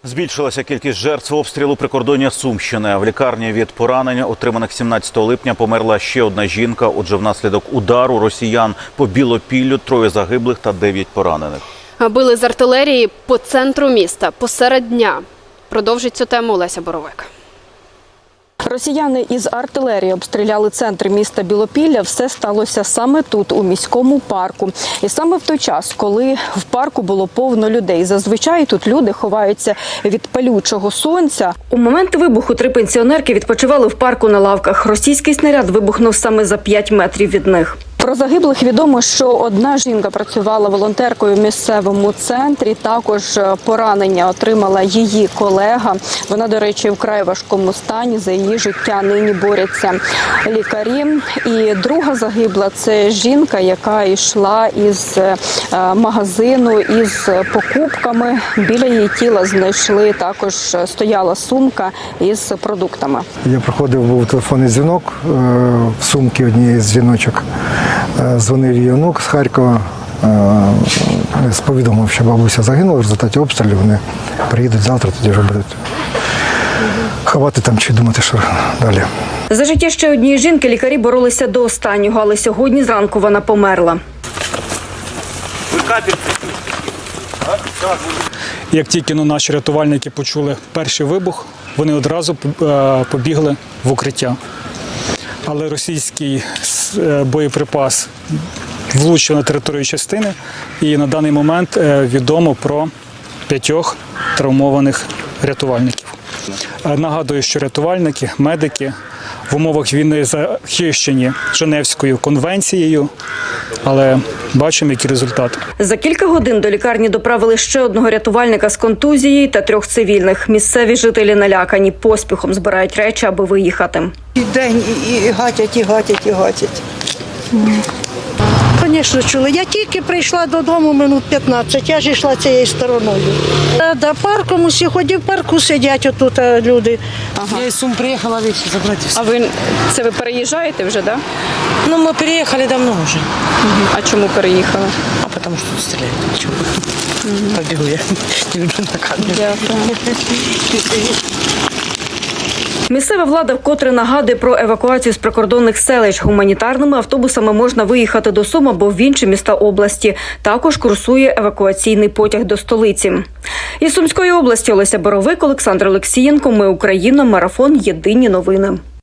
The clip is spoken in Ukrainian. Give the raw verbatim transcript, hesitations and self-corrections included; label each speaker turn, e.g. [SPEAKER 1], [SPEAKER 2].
[SPEAKER 1] Збільшилася кількість жертв обстрілу прикордоння Сумщини. В лікарні від поранень, отриманих сімнадцятого липня, померла ще одна жінка. Отже, внаслідок удару росіян по Білопіллю троє загиблих та дев'ять поранених.
[SPEAKER 2] Били з артилерії по центру міста, посеред дня. Продовжить цю тему Олеся Боровик.
[SPEAKER 3] Росіяни із артилерії обстріляли центр міста Білопілля. Все сталося саме тут, у міському парку. І саме в той час, коли в парку було повно людей. Зазвичай тут люди ховаються від палючого сонця. У момент вибуху три пенсіонерки відпочивали в парку на лавках. Російський снаряд вибухнув саме за п'ять метрів від них. Про загиблих відомо, що одна жінка працювала волонтеркою в місцевому центрі. Також поранення отримала її колега. Вона, до речі, вкрай важкому стані. За її життя нині борються лікарі. І друга загибла – це жінка, яка йшла із магазину із покупками. Біля її тіла знайшли, також стояла сумка із продуктами.
[SPEAKER 4] Я проходив, був телефонний дзвінок в сумці однієї з жіночок. Дзвонив її онук з Харкова, повідомив, що бабуся загинула в результаті обстрілів. Вони приїдуть завтра, тоді вже будуть ховати там чи думати, що далі.
[SPEAKER 3] За життя ще однієї жінки лікарі боролися до останнього, але сьогодні зранку вона померла.
[SPEAKER 5] Як тільки ну, наші рятувальники почули перший вибух, вони одразу побігли в укриття. Але російський боєприпас влучив на територію частини, і на даний момент відомо про п'ятьох травмованих рятувальників. Нагадую, що рятувальники, медики в умовах війни захищені Женевською конвенцією, але бачимо, які результати. За кілька годин до лікарні доправили ще одного рятувальника з контузією та трьох цивільних. Місцеві жителі налякані, поспіхом збирають речі, аби виїхати.
[SPEAKER 6] І день, і, і гатять, і гатять, і гатять. Звісно, чули. Я тільки прийшла додому минут п'ятнадцять, я ж йшла цією стороною. До парком усі ходять, в парку сидять отут люди.
[SPEAKER 7] Ага. Я из Сум приехала вещи забрать.
[SPEAKER 2] А ви, це ви переїжджаєте вже, да?
[SPEAKER 7] Ну, мы переехали давно уже.
[SPEAKER 2] Угу. А чому переїхали?
[SPEAKER 7] А потому что тут стреляют. Почему? Угу. Побегу я. Не люблю на камеру.
[SPEAKER 2] Дякую.
[SPEAKER 3] Місцева влада вкотре нагадує про евакуацію з прикордонних селищ. Гуманітарними автобусами можна виїхати до Сум або в інші міста області. Також курсує евакуаційний потяг до столиці. Із Сумської області Олеся Боровик, Олександр Олексієнко. Ми Україна. Марафон. Єдині новини.